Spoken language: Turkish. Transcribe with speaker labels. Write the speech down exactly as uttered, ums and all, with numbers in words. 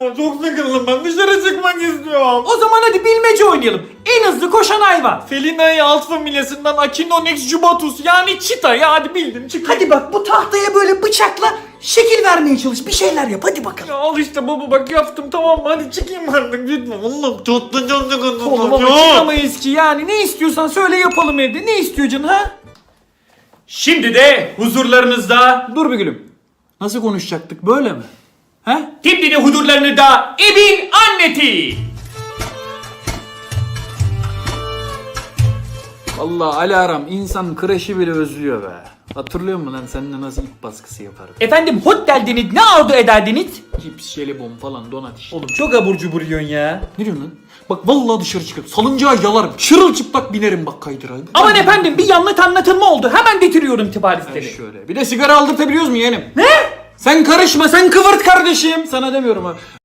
Speaker 1: Çok sıkıldım, ben dışarı çıkmak istiyorum.
Speaker 2: O zaman hadi bilmece oynayalım. En hızlı koşan hayvan.
Speaker 1: Felinae alt familyasından Echinonex jubatus yani çita ya, hadi bildim çık.
Speaker 2: Hadi bak bu tahtaya böyle bıçakla şekil vermeye çalış. Bir şeyler yap hadi bakalım.
Speaker 1: Ya al işte baba, bak yaptım, tamam mı, hadi çıkayım artık lütfen. Oğlum çok da çok sıkıldım.
Speaker 2: Oğlum ama çıkamayız ki yani. Ne istiyorsan söyle yapalım evde. Ne istiyor canın ha?
Speaker 3: Şimdi de huzurlarınızda,
Speaker 2: Dur bir gülüm. Nasıl konuşacaktık böyle mi? He?
Speaker 3: şimdi de huzurlarınızda evin anneti.
Speaker 2: Vallahi Alarm insan kreşi bile özlüyor be. Hatırlıyor musun lan seninle nasıl ip baskısı yaparım?
Speaker 3: Efendim hot derdiniz, ne arzu ederdiniz?
Speaker 2: Cips, jelibon falan donat işte.
Speaker 1: Oğlum çok abur cubur yiyorsun ya.
Speaker 2: Ne diyorsun lan? Bak vallahi dışarı çıkıp salıncağa yalarım. Çırılçıplak binerim bak kaydıra.
Speaker 3: Aman efendim bir yanlış anlatılma oldu. Hemen getiriyorum tibarisleri.
Speaker 2: Şöyle. Bir de sigara aldırtabiliyoruz mu yeğenim? Ne? Sen karışma, sen kıvırt kardeşim. Sana demiyorum ha.